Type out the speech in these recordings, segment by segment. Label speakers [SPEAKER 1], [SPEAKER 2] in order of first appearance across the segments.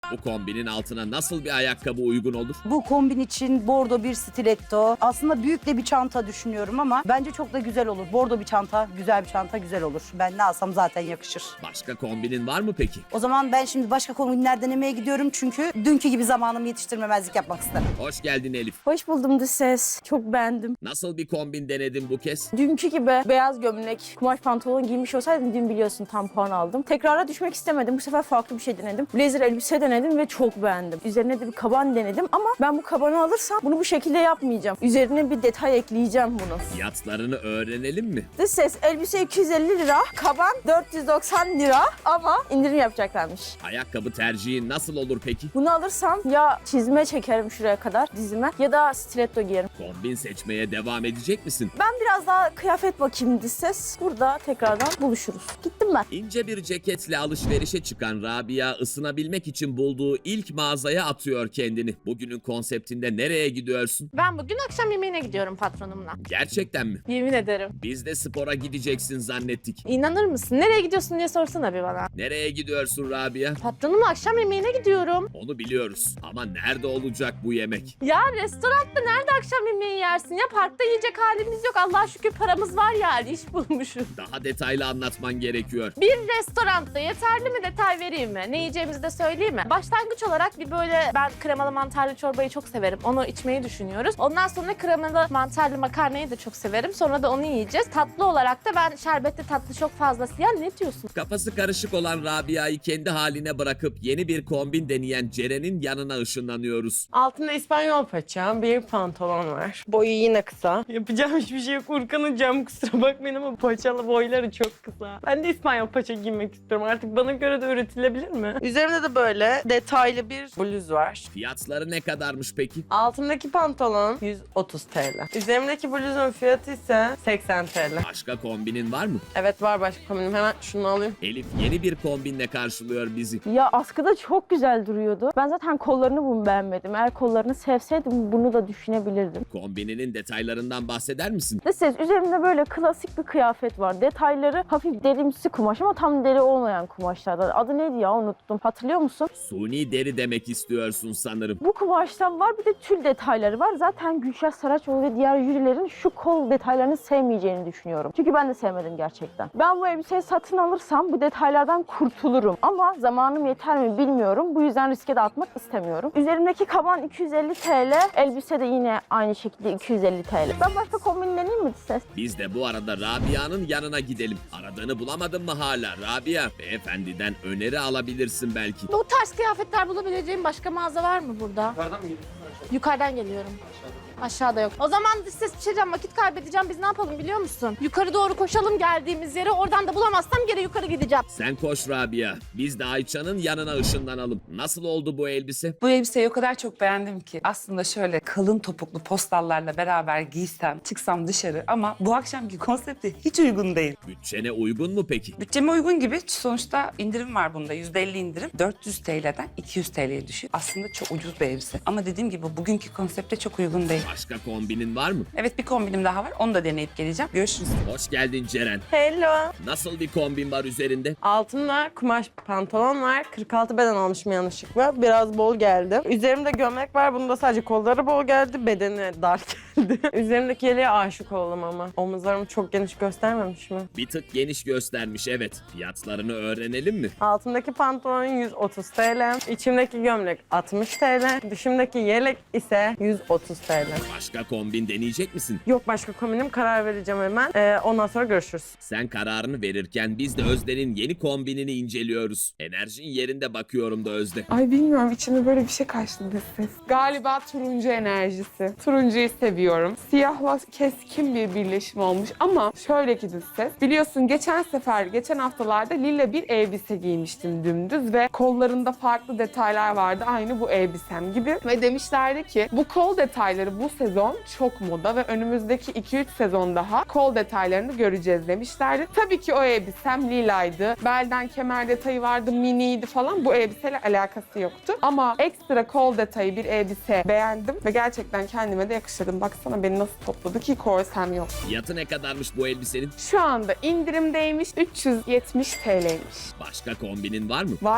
[SPEAKER 1] Bu kombinin altına nasıl bir ayakkabı uygun olur?
[SPEAKER 2] Bu kombin için bordo bir stiletto. Aslında büyük de bir çanta düşünüyorum ama bence çok da güzel olur. Bordo bir çanta, güzel bir çanta güzel olur. Ben ne alsam zaten yakışır.
[SPEAKER 1] Başka kombinin var mı peki?
[SPEAKER 2] O zaman ben şimdi başka kombinler denemeye gidiyorum çünkü dünkü gibi zamanımı yetiştirmemezlik yapmak isterim.
[SPEAKER 1] Hoş geldin Elif.
[SPEAKER 3] Hoş buldum dış ses. Çok beğendim.
[SPEAKER 1] Nasıl bir kombin denedin bu kez?
[SPEAKER 3] Dünkü gibi beyaz gömlek, kumaş pantolon giymiş olsaydım dün biliyorsun tam puan aldım. Tekrara düşmek istemedim. Bu sefer farklı bir şey denedim. Blazer elbise denedim ve çok beğendim. Üzerine de bir kaban denedim ama ben bu kabanı alırsam bunu bu şekilde yapmayacağım. Üzerine bir detay ekleyeceğim bunu.
[SPEAKER 1] Fiyatlarını öğrenelim mi?
[SPEAKER 3] Dış ses elbise 250 lira, kaban 490 lira ama indirim yapacaklarmış.
[SPEAKER 1] Ayakkabı tercihin nasıl olur peki?
[SPEAKER 3] Bunu alırsam ya çizme çekerim şuraya kadar dizime ya da stiletto giyerim.
[SPEAKER 1] Kombin seçmeye devam edecek misin?
[SPEAKER 3] Ben biraz daha kıyafet bakayım dış ses. Burada tekrardan buluşuruz. Gittim ben.
[SPEAKER 1] İnce bir ceketle alışverişe çıkan Rabia ısınabilmek için bulduğu ilk mağazaya atıyor kendini. Bugünün konseptinde nereye gidiyorsun?
[SPEAKER 4] Ben bugün akşam yemeğine gidiyorum patronumla.
[SPEAKER 1] Gerçekten mi?
[SPEAKER 4] Yemin ederim.
[SPEAKER 1] Biz de spora gideceksin zannettik.
[SPEAKER 4] İnanır mısın? Nereye gidiyorsun diye sorsana bir bana.
[SPEAKER 1] Nereye gidiyorsun Rabia?
[SPEAKER 4] Patronumla akşam yemeğine gidiyorum.
[SPEAKER 1] Onu biliyoruz. Ama nerede olacak bu yemek?
[SPEAKER 4] Ya restoranda nerede akşam yemeği yersin ya? Parkta yiyecek halimiz yok. Allah'a şükür paramız var yani. İş bulmuşuz.
[SPEAKER 1] Daha detaylı anlatman gerekiyor.
[SPEAKER 4] Bir restoranda yeterli mi detay vereyim mi? Ne yiyeceğimizi de söyleyeyim mi? Başlangıç olarak bir böyle ben kremalı mantarlı çorbayı çok severim. Onu içmeyi düşünüyoruz. Ondan sonra kremalı mantarlı makarnayı da çok severim. Sonra da onu yiyeceğiz. Tatlı olarak da ben şerbetli tatlı çok fazlası. Ya ne diyorsun?
[SPEAKER 1] Kafası karışık olan Rabia'yı kendi haline bırakıp yeni bir kombin deneyen Ceren'in yanına ışınlanıyoruz.
[SPEAKER 5] Altında İspanyol paça, bir pantolon var. Boyu yine kısa. Yapacağım hiçbir şey yok. Urkan'ın kusura bakmayın ama paçalı boyları çok kısa. Ben de İspanyol paça giymek istiyorum. Artık bana göre de üretilebilir mi? Üzerimde de böyle detaylı bir bluz var.
[SPEAKER 1] Fiyatları ne kadarmış peki?
[SPEAKER 5] Altımdaki pantolon 130 TL. Üzerimdeki bluzun fiyatı ise 80 TL.
[SPEAKER 1] Başka kombinin var mı?
[SPEAKER 5] Evet var başka kombinim. Hemen şunu alayım.
[SPEAKER 1] Elif yeni bir kombinle karşılıyor bizi.
[SPEAKER 3] Ya askıda çok güzel duruyordu. Ben zaten kollarını bunu beğenmedim. Eğer kollarını sevseydim bunu da düşünebilirdim.
[SPEAKER 1] Kombininin detaylarından bahseder misin?
[SPEAKER 3] Dış ses üzerimde böyle klasik bir kıyafet var. Detayları hafif derimsi kumaş ama tam deri olmayan kumaşlardan. Adı neydi ya unuttum. Hatırlıyor musun?
[SPEAKER 1] Suni deri demek istiyorsun sanırım.
[SPEAKER 3] Bu kumaştan var bir de tül detayları var. Zaten Gülşah Saraçoğlu ve diğer jürilerin şu kol detaylarını sevmeyeceğini düşünüyorum. Çünkü ben de sevmedim gerçekten. Ben bu elbiseyi satın alırsam bu detaylardan kurtulurum. Ama zamanım yeter mi bilmiyorum. Bu yüzden riske de atmak istemiyorum. Üzerimdeki kaban 250 TL. Elbise de yine aynı şekilde 250 TL. Ben başka kombin deneyeyim mi ses?
[SPEAKER 1] Biz de bu arada Rabia'nın yanına gidelim. Aradığını bulamadın mı hala Rabia? Beyefendiden öneri alabilirsin belki.
[SPEAKER 4] Bu tarz kıyafetler bulabileceğim başka mağaza var mı burada? Yukarıdan mı geliyorsun? Yukarıdan geliyorum. Aşağıda yok. O zaman ses içeceğim, vakit kaybedeceğim. Biz ne yapalım biliyor musun? Yukarı doğru koşalım geldiğimiz yere. Oradan da bulamazsam geri yukarı gideceğim.
[SPEAKER 1] Sen koş Rabia. Biz de Ayça'nın yanına ışınlanalım. Nasıl oldu bu elbise?
[SPEAKER 6] Bu elbiseyi o kadar çok beğendim ki aslında şöyle kalın topuklu postallarla beraber giysem, çıksam dışarı ama bu akşamki konsepte hiç uygun değil.
[SPEAKER 1] Bütçene uygun mu peki?
[SPEAKER 6] Bütçeme uygun gibi sonuçta indirim var bunda %50 indirim. 400 TL'den 200 TL'ye düşüyor. Aslında çok ucuz bir elbise ama dediğim gibi bugünkü konsepte çok uygun değil.
[SPEAKER 1] Başka kombinin var mı?
[SPEAKER 6] Evet bir kombinim daha var onu da deneyip geleceğim. Görüşürüz.
[SPEAKER 1] Hoş geldin Ceren.
[SPEAKER 5] Hello.
[SPEAKER 1] Nasıl bir kombin var üzerinde?
[SPEAKER 5] Altımda kumaş pantolon var. 46 beden almışım yanlışlıkla. Biraz bol geldi. Üzerimde gömlek var. Bunda sadece kolları bol geldi. Bedeni dar geldi. Üzerimdeki yeleğe aşık oldum ama. Omuzlarımı çok geniş göstermemiş mi?
[SPEAKER 1] Bir tık geniş göstermiş evet. Fiyatlarını öğrenelim mi?
[SPEAKER 5] Altımdaki pantolon 130 TL. İçimdeki gömlek 60 TL. Dışımdaki yelek ise 130 TL.
[SPEAKER 1] Başka kombin deneyecek misin?
[SPEAKER 5] Yok başka kombinim karar vereceğim hemen. Ondan sonra görüşürüz.
[SPEAKER 1] Sen kararını verirken biz de Özde'nin yeni kombinini inceliyoruz. Enerjin yerinde bakıyorum da Özde.
[SPEAKER 7] Ay bilmiyorum içime böyle bir şey kaçtı dış ses. Galiba turuncu enerjisi. Turuncuyu seviyorum. Siyahla keskin bir birleşim olmuş ama şöyle ki dış ses. Biliyorsun geçen haftalarda lila bir elbise giymiştim dümdüz ve kollarında farklı detaylar vardı aynı bu elbisem gibi. Ve demişlerdi ki bu kol detayları bu sezon çok moda ve önümüzdeki 2-3 sezon daha kol detaylarını göreceğiz demişlerdi. Tabii ki o elbisem lilaydı. Belden kemer detayı vardı, miniydi falan. Bu elbiseyle alakası yoktu. Ama ekstra kol detayı bir elbise beğendim ve gerçekten kendime de yakıştırdım. Baksana beni nasıl topladı ki korsem yok.
[SPEAKER 1] Fiyatı ne kadarmış bu elbisenin?
[SPEAKER 7] Şu anda indirimdeymiş 370 TL'ymiş.
[SPEAKER 1] Başka kombinin var mı?
[SPEAKER 7] Var.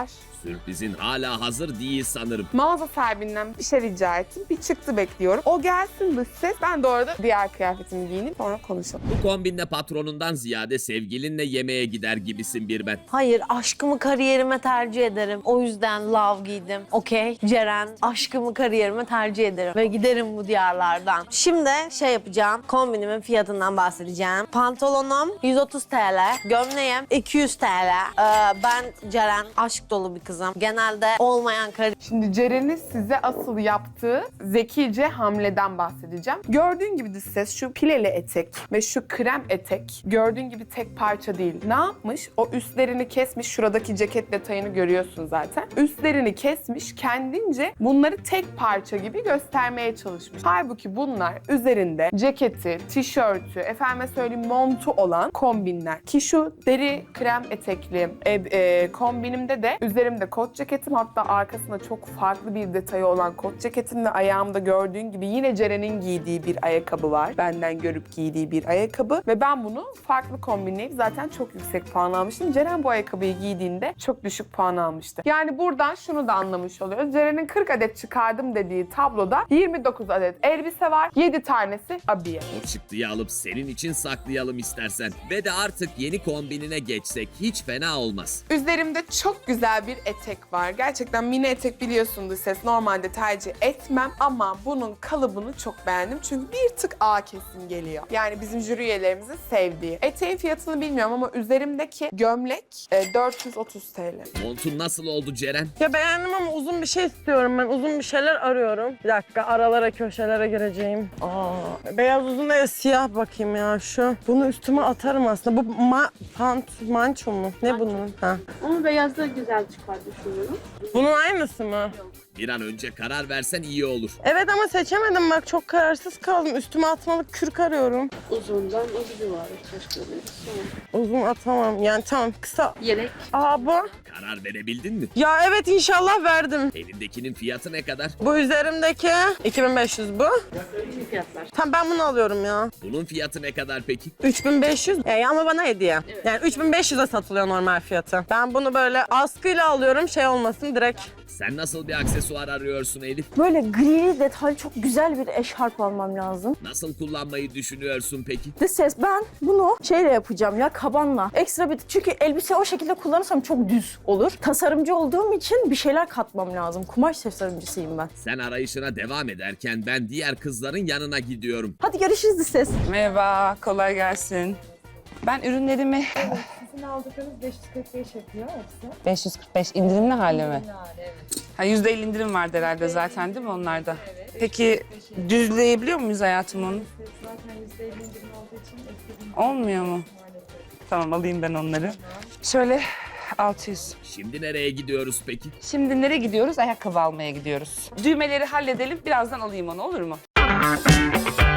[SPEAKER 1] Sürprizin hala hazır değil sanırım.
[SPEAKER 7] Mağaza sahibinden bir şey rica ettim. Bir çıktı bekliyorum. O gelsin dış ses. Ben de orada diğer kıyafetimi giyinip sonra konuşalım.
[SPEAKER 1] Bu kombinle patronundan ziyade sevgilinle yemeğe gider gibisin bir ben.
[SPEAKER 8] Hayır, aşkımı kariyerime tercih ederim. O yüzden love giydim. Okey, Ceren, aşkımı kariyerime tercih ederim. Ve giderim bu diyarlardan. Şimdi şey yapacağım, kombinimin fiyatından bahsedeceğim. Pantolonum 130 TL, gömleğim 200 TL. Ben Ceren, aşk dolu bir kızım. Genelde olmayan
[SPEAKER 7] Şimdi Ceren'in size asıl yaptığı zekice hamleden bahsedeceğim. Gördüğün gibi dış ses şu pileli etek ve şu krem etek gördüğün gibi tek parça değil. Ne yapmış? O üstlerini kesmiş. Şuradaki ceket detayını görüyorsun zaten. Üstlerini kesmiş. Kendince bunları tek parça gibi göstermeye çalışmış. Halbuki bunlar üzerinde ceketi, tişörtü, efendime söyleyeyim montu olan kombinler. Ki şu deri krem etekli kombinimde de üzerimde kot ceketim, hatta arkasında çok farklı bir detayı olan kot ceketim ve ayağımda gördüğün gibi yine Ceren'in giydiği bir ayakkabı var. Benden görüp giydiği bir ayakkabı ve ben bunu farklı kombinleyip zaten çok yüksek puan almıştım. Ceren bu ayakkabıyı giydiğinde çok düşük puan almıştı. Yani buradan şunu da anlamış oluyoruz. Ceren'in 40 adet çıkardım dediği tabloda 29 adet elbise var. 7 tanesi abiye.
[SPEAKER 1] O çıktıyı alıp senin için saklayalım istersen. Ve de artık yeni kombinine geçsek hiç fena olmaz.
[SPEAKER 7] Üzerimde çok güzel bir etek var. Gerçekten mini etek biliyorsunuz ses. Normalde tercih etmem ama bunun kalıbını çok beğendim. Çünkü bir tık A kesim geliyor. Yani bizim jüri üyelerimizin sevdiği. Eteğin fiyatını bilmiyorum ama üzerimdeki gömlek 430 TL.
[SPEAKER 1] Montun nasıl oldu Ceren?
[SPEAKER 5] Ya beğendim ama uzun bir şey istiyorum ben. Uzun bir şeyler arıyorum. Bir dakika, aralara, köşelere gireceğim. Beyaz uzun değil, siyah bakayım ya şu. Bunu üstüme atarım aslında. Bu manço mu? Ne bunun? Ha.
[SPEAKER 3] Ama beyazda güzel çıkar düşünüyorum.
[SPEAKER 5] Bunun aynısı mı?
[SPEAKER 1] Bir an önce karar versen iyi olur.
[SPEAKER 5] Evet ama seçemedim bak, çok kararsız kaldım. Üstüme atmalık kürk arıyorum.
[SPEAKER 3] Uzundan o gibi var.
[SPEAKER 5] Uzun atamam. Yani tamam, kısa.
[SPEAKER 3] Yelek.
[SPEAKER 5] Aa bu.
[SPEAKER 1] Karar verebildin mi?
[SPEAKER 5] Ya evet, inşallah verdim.
[SPEAKER 1] Elindekinin fiyatı ne kadar?
[SPEAKER 5] Bu üzerimdeki 2500 bu.
[SPEAKER 3] Fiyatlar.
[SPEAKER 5] Tamam, ben bunu alıyorum ya.
[SPEAKER 1] Bunun fiyatı ne kadar peki?
[SPEAKER 5] 3500. Ama bana hediye. Yani 3500'e satılıyor normal fiyatı. Ben bunu böyle askıyla alıyorum, şey olmasın direkt.
[SPEAKER 1] Sen nasıl bir aksesuar arıyorsun Elif?
[SPEAKER 3] Böyle gri detaylı çok güzel bir eşarp almam lazım.
[SPEAKER 1] Nasıl kullanmayı düşünüyorsun peki?
[SPEAKER 3] Dış ses, ben bunu şeyle yapacağım ya, kabanla. Ekstra bir, çünkü elbise o şekilde kullanırsam çok düz olur. Tasarımcı olduğum için bir şeyler katmam lazım. Kumaş tasarımcısıyım ben.
[SPEAKER 1] Sen arayışına devam ederken ben diğer kızların yanına gidiyorum.
[SPEAKER 3] Hadi görüşürüz dış ses.
[SPEAKER 6] Merhaba, kolay gelsin. Ben ürünlerimi...
[SPEAKER 9] Sizin aldıklarınız 545 yapıyor hepsi.
[SPEAKER 6] 545 indirimli hali mi? Evet. Ha, %50 indirim vardı herhalde zaten değil mi onlarda? Evet. Peki düzleyebiliyor muyuz hayatım onu?
[SPEAKER 9] Zaten %50 indirim olduğu için eklediğim
[SPEAKER 6] Olmuyor mu? Tamam, alayım ben onları. şöyle 600.
[SPEAKER 1] Şimdi nereye gidiyoruz peki?
[SPEAKER 6] Şimdi nereye gidiyoruz? Ayakkabı almaya gidiyoruz. Düğmeleri halledelim, birazdan alayım onu, olur mu?